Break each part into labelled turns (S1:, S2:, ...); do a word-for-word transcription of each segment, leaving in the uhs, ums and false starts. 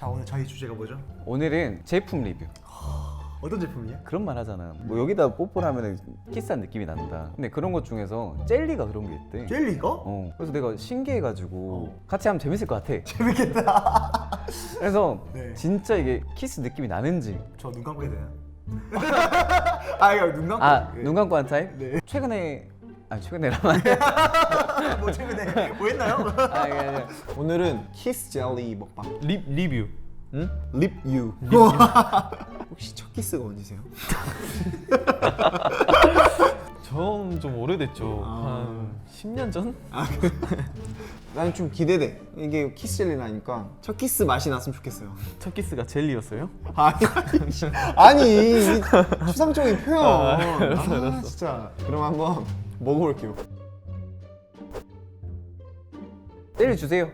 S1: 자, 오늘 저희 주제가 뭐죠?
S2: 오늘은 제품 리뷰.
S1: 어떤 제품이에요?
S2: 그런 말 하잖아. 뭐 여기다 뽀뽀를 하면 키스한 느낌이 난다. 근데 그런 것 중에서 젤리가 그런 게 있대.
S1: 젤리가?
S2: 어. 그래서 내가 신기해가지고
S1: 어.
S2: 같이 하면 재밌을 것 같아.
S1: 재밌겠다.
S2: 그래서
S1: 네.
S2: 진짜 이게 키스 느낌이 나는지.
S1: 저 눈 감고 해야 되나? 아, 이거 눈 감고.
S2: 아,
S1: 예.
S2: 눈 감고 한 타입?
S1: 네.
S2: 최근에 아 최근에라만.
S1: 뭐 최근에 뭐 했나요?
S2: 아, 이게 아니라
S3: 오늘은 키스 젤리 먹방.
S4: 립 리뷰.
S3: 응? 립 유. 혹시 첫 키스가 언제세요?
S4: 전 좀 오래됐죠.
S3: 아.
S4: 한 십 년 전?
S3: 난 좀 기대돼. 이게 키스 젤리라니까 첫 키스 맛이 났으면 좋겠어요.
S4: 첫 키스가 젤리였어요?
S3: 아니, 아니 이 추상적인 표현.
S4: 아, 알았어,
S3: 아,
S4: 알았어.
S3: 진짜. 그럼 한번 먹어볼게요.
S2: 젤리 주세요.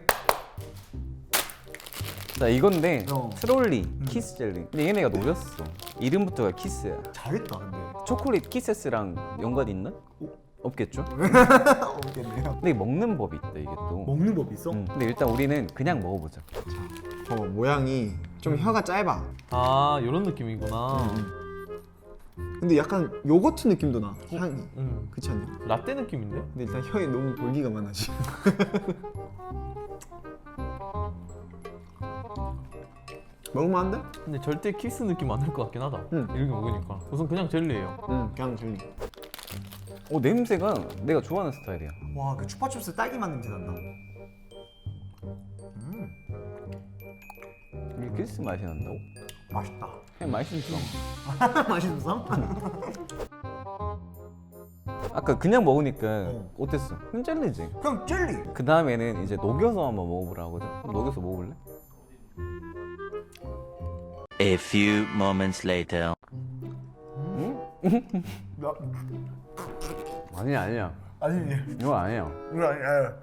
S2: 자, 이건데
S1: 어.
S2: 트롤리 키스 젤리. 근데 얘네가 녹였어. 이름부터가 키스야.
S1: 잘했다 근데.
S2: 초콜릿 키세스랑 연관이 있나? 없겠죠?
S1: 없겠네요.
S2: 근데 이게 먹는 법이 있다 이게 또.
S1: 먹는 법 있어?
S2: 음, 근데 일단 우리는 그냥 먹어보자.
S3: 저 모양이 좀 혀가 짧아.
S4: 아, 이런 느낌이구나.
S3: 근데 약간 요거트 느낌도 나. 향이.
S4: 음.
S3: 그렇지 않냐?
S4: 라떼 느낌인데?
S3: 근데 일단 혀에 너무 볼기가 많아 지금. 먹으면 안 돼?
S4: 근데 절대 키스 느낌 안 날 것 같긴 하다.
S3: 응.
S4: 이렇게 먹으니까. 우선 그냥 젤리예요.
S3: 응, 그냥 젤리.
S2: 어, 냄새가 내가 좋아하는 스타일이야.
S1: 와, 그 추파춥스 딸기 맛 냄새 난다. 음,
S2: 이게 키스 맛이 난다고?
S1: 맛있다.
S2: 그냥 맛있어.
S1: 맛있어?
S2: 아까 그냥 먹으니까
S1: 어.
S2: 어땠어? 그냥 젤리지.
S1: 그냥 젤리.
S2: 그 다음에는 이제 녹여서 한번 먹어보라 하거든. 그럼 녹여서 먹어볼래?
S5: A few moments later.
S1: 나,
S2: 아니야 아니야.
S1: 아니,
S2: 이거 아니야.
S1: 이거 아니야.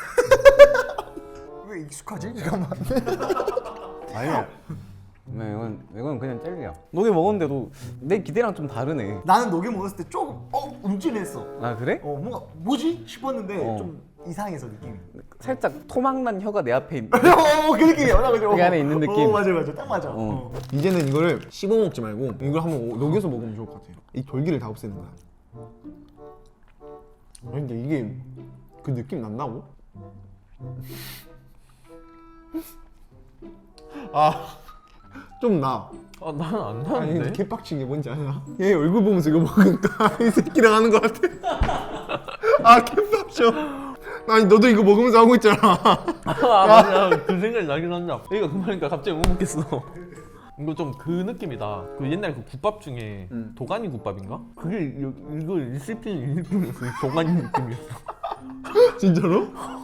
S1: 왜 익숙하지? 잠깐만.
S2: 아니야. 네, 이건 이건 그냥 젤리야. 녹여 먹었는데도 내 기대랑 좀 다르네.
S1: 나는 녹여 먹었을 때 조금 어 움찔했어.
S2: 아 그래?
S1: 어 뭔가 뭐지 싶었는데
S2: 어.
S1: 좀 이상해서 느낌이.
S2: 살짝 토막난 혀가 내 앞에 있는.
S1: 어, 그 느낌이야. 나 그죠?
S2: 그 안에 있는 느낌.
S1: 어, 맞아, 맞아, 딱 맞아.
S2: 어.
S1: 어.
S3: 이제는 이거를 씹어 먹지 말고 이걸 한번 오- 녹여서 먹으면 좋을 것 같아요. 이 돌기를 다 없애는 거야. 아니, 근데 이게 그 느낌 난다고? 아, 좀 나.
S4: 아, 나는 안
S3: 아니,
S4: 나는데?
S3: 개빡친 게 뭔지 알아? 얘 얼굴 보면서 이거 먹으니까 이 새끼랑 하는 것 같아. 아, 개빡쳐. 아니, 너도 이거 먹으면서 하고 있잖아.
S4: 아, 맞아. 그 생각이 나긴 한다. 얘가 그 말이니까 갑자기 못 먹겠어. 이거 좀 그 느낌이다. 그 옛날 그 국밥 중에
S3: 음.
S4: 도가니 국밥인가? 그게 이- 이거 씹히는 이 느낌이었어. 이 도가니 느낌이었어.
S3: 진짜로?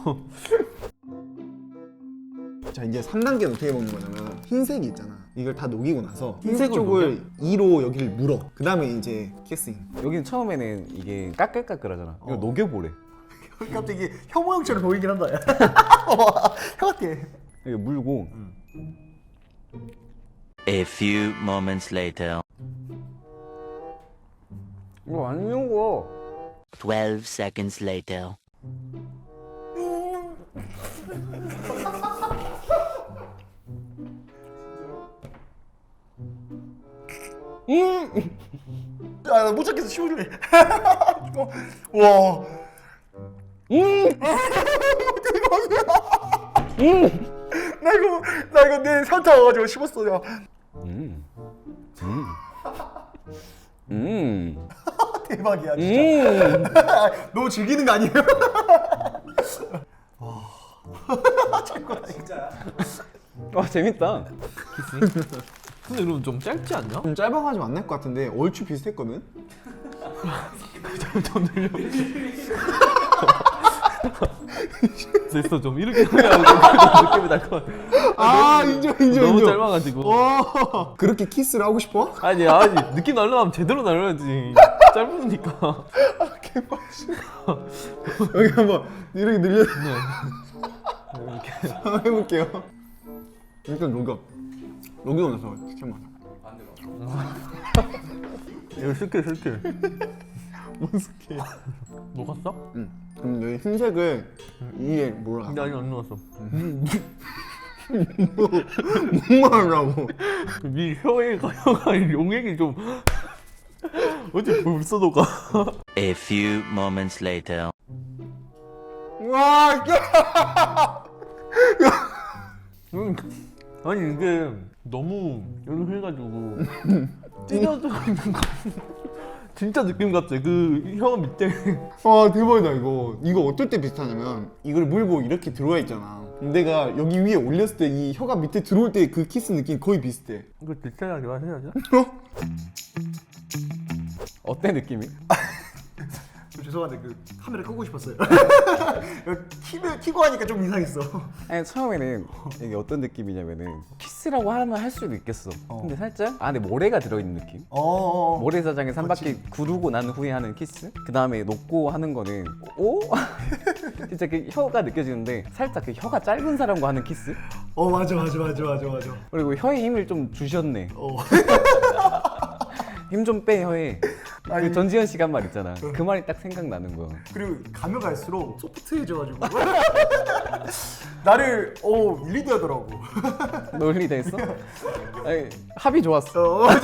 S3: 자, 이제 삼 단계는 어떻게 먹는 거냐면 흰색이 있잖아. 이걸 다 녹이고 나서 흰색
S4: 흰색을
S3: 쪽을 이로 여기를 물어. 그 다음에 이제 키싱.
S2: 여기는 처음에는 이게 까끌까끌하잖아. 이거
S1: 어.
S2: 녹여보래.
S1: 갑자기 혀 모양처럼 보이긴 한다. 야. 혀 같아.
S2: 이거 물고.
S5: A few moments later.
S2: 이거 안 녹어.
S5: Twelve seconds later.
S1: 아, 나못 찾겠어. 씹어줄래. 어, 와. 음. 나 이거 나 이거 내 산타 와가지고 씹었어. 야.
S2: 음. 음. 음.
S1: 대박이야 진짜.
S2: 음.
S1: 너무 즐기는 거 아니에요? 와. 최고다 진짜.
S2: 와 재밌다.
S4: 근데 그럼 좀 짧지 않냐?
S3: 좀 짧아가지고 안 날 것 같은데 얼추 비슷했거든?
S4: 좀 늘려. 됐어, 좀 이렇게 하면 느낌이 날 것 같아.
S3: 아, 인정, 인정,
S4: 너무
S3: 인정.
S4: 짧아가지고.
S3: 와, 그렇게 키스를 하고 싶어?
S4: 아니, 아니, 느낌 날려면 제대로 날려야지. 짧으니까.
S3: 여기 한번 이렇게 늘려.
S4: 네. 이렇게.
S3: 한번 해볼게요. 일단 녹여. 녹이고 나서 시켜만.
S4: 이거 슬게, 슬게.
S3: 뭔 스킬?
S4: 녹았어?
S3: 응. 그럼 여기 흰색을 이에 몰라.
S4: 근데 아직 안 녹았어.
S3: 뭔 말하라고?
S4: 네 혀에 가여가 용액이 좀 어디 벌써 녹아.
S5: A few moments later.
S3: 와, 야!
S4: 음, 아니 이게 너무 이렇게 해가지고 찢어져 있는 거 진짜 느낌 같지? 그 혀 밑에.
S3: 와 대박이다 이거. 이거 어떨 때 비슷하냐면 이걸 물고 이렇게 들어와 있잖아. 내가 여기 위에 올렸을 때 이 혀가 밑에 들어올 때 그 키스 느낌 거의 비슷해.
S4: 이거 디테일하게 말해야죠.
S2: 어때 느낌이?
S1: 죄송한데 그 카메라 끄고 싶었어요. 키를 키고 하니까 좀 이상했어.
S2: 아니 처음에는 이게 어떤 느낌이냐면은 키스라고 하면 할 수도 있겠어. 근데 살짝 안에 모래가 들어있는 느낌?
S1: 어.
S2: 모래사장에서 한 바퀴 구르고 난 후에 하는 키스? 그 다음에 놓고 하는 거는 오? 진짜 그 혀가 느껴지는데 살짝 그 혀가 짧은 사람과 하는 키스?
S1: 어 맞아 맞아 맞아 맞아 맞아.
S2: 그리고 혀에 힘을 좀 주셨네.
S1: 어.
S2: 힘 좀 빼 혀에.
S1: 아니.
S2: 그 전지현 씨가 한 말 있잖아. 그 말이 딱 생각나는 거야.
S1: 그리고 가면 갈수록 소프트해져가지고 나를 어 밀리더라고.
S2: 논리 됐어? 아니, 합이 좋았어.
S1: 어.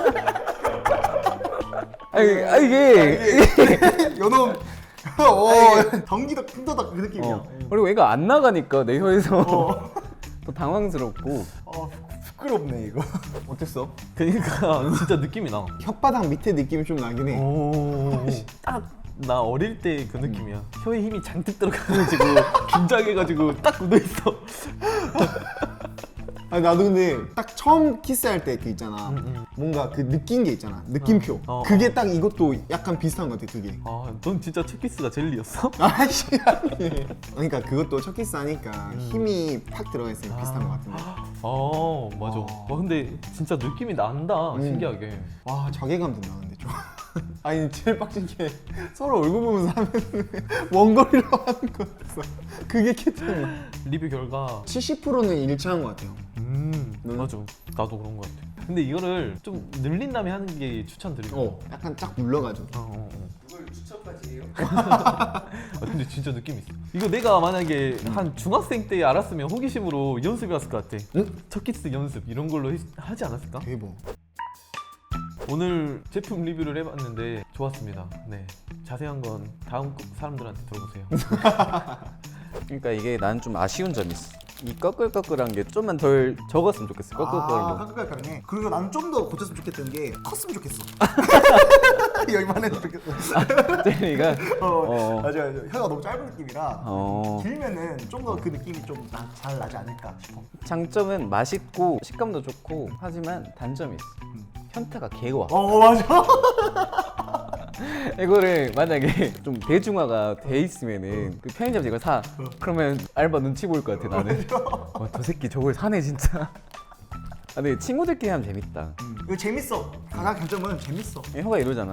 S2: 아니, 아 이게
S1: 요놈. 어. 덩기덕 쿵더덕 그 느낌이야.
S2: 어. 그리고 얘가 안 나가니까 내 혀에서
S1: 어.
S2: 또 당황스럽고.
S1: 어 부끄럽네 이거.
S3: 어땠어?
S4: 그러니까 진짜 느낌이 나.
S3: 혓바닥 밑에 느낌이 좀 나긴 해.
S4: 오, 딱 나 어릴 때 그 느낌이야. 혀에 힘이 잔뜩 들어가가지고 긴장해가지고 딱 굳어 있어.
S3: 아니 나도 근데 딱 처음 키스할 때 그 있잖아.
S4: 음.
S3: 뭔가 그 느낀 게 있잖아. 느낌표.
S4: 어, 어,
S3: 그게 딱 이것도 약간 비슷한 것 같아 그게.
S4: 아, 넌 진짜 첫 키스가 젤리였어?
S3: 아씨 아니. 그러니까 그것도 첫 키스 하니까 힘이 팍 들어가 있으니까 비슷한 것 같은데.
S4: 아, 맞아. 와, 근데 진짜 느낌이 난다. 신기하게.
S3: 와 자괴감 든다 근데 좀. 아니 제일 빡친 게 서로 얼굴 보면서 하면 원거리로 하는 거였어. 그게 캐치야.
S4: 리뷰 결과
S3: 칠십 퍼센트는 일치한 것 같아요.
S4: 음 맞아. 나도 그런 거 같아. 근데 이거를 좀 늘린 다음에 하는 게 추천드리고.
S3: 어, 약간 쫙 눌러가지고.
S4: 어, 어, 어. 그걸 추천까지 해요? 아, 근데 진짜 느낌 있어. 이거 내가 만약에 한 중학생 때 알았으면 호기심으로 연습해왔을 것 같아.
S3: 응?
S4: 첫 키스 연습 이런 걸로 했- 하지 않았을까?
S3: 대박.
S4: 오늘 제품 리뷰를 해봤는데 좋았습니다. 네, 자세한 건 다음 사람들한테 들어보세요.
S2: 그러니까 이게 난 좀 아쉬운 점이 있어. 이 꺼끌꺼끌한 게 좀만 덜 적었으면 좋겠어.
S1: 아,
S2: 꺼끌꺼끌.
S1: 깜깜깜네. 그리고 나는 좀 더 고쳤으면 좋겠던 게 컸으면 좋겠어. 여기만 해도 좋겠어.
S2: 젤리가
S1: 어,
S2: 어.
S1: 맞아 맞아. 혀가 너무 짧은 느낌이라
S2: 어.
S1: 길면은 좀 더 그 느낌이 좀 잘 나지 않을까 싶어.
S2: 장점은 맛있고 식감도 좋고 하지만 단점이 있어. 현타가 개와.
S1: 어 맞아.
S2: 이거를 만약에 좀 대중화가 돼 있으면은 그 편의점에서 이걸 사. 그러면 알바 눈치 보일 것 같아 나는. 와, 저 새끼 저걸 사네 진짜. 아, 근데 친구들끼리 하면 재밌다.
S1: 이거 재밌어. 가장 장점은 재밌어.
S2: 혀가 이러잖아.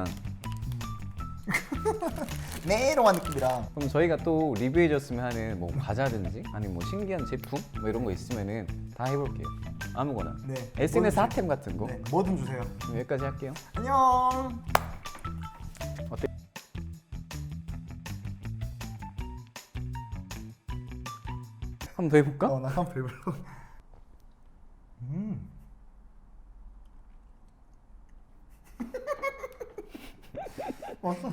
S1: 메롱한 느낌이라.
S2: 그럼 저희가 또 리뷰해줬으면 하는 뭐 과자든지 아니면 뭐 신기한 제품 뭐 이런 거 있으면은 다 해볼게요. 아무거나.
S1: 네.
S2: 에스엔에스
S1: 뭐든
S2: 핫템 같은 거.
S1: 네, 뭐든 주세요.
S2: 그럼 여기까지 할게요.
S1: 안녕.
S2: 어때? 한 번 더 해볼까?
S1: 어, 나 한번 배불러. 음. 왔어.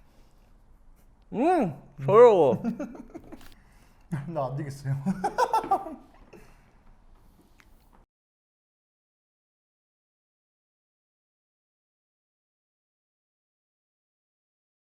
S2: 음, 더러워.
S1: 나 안 되겠어요.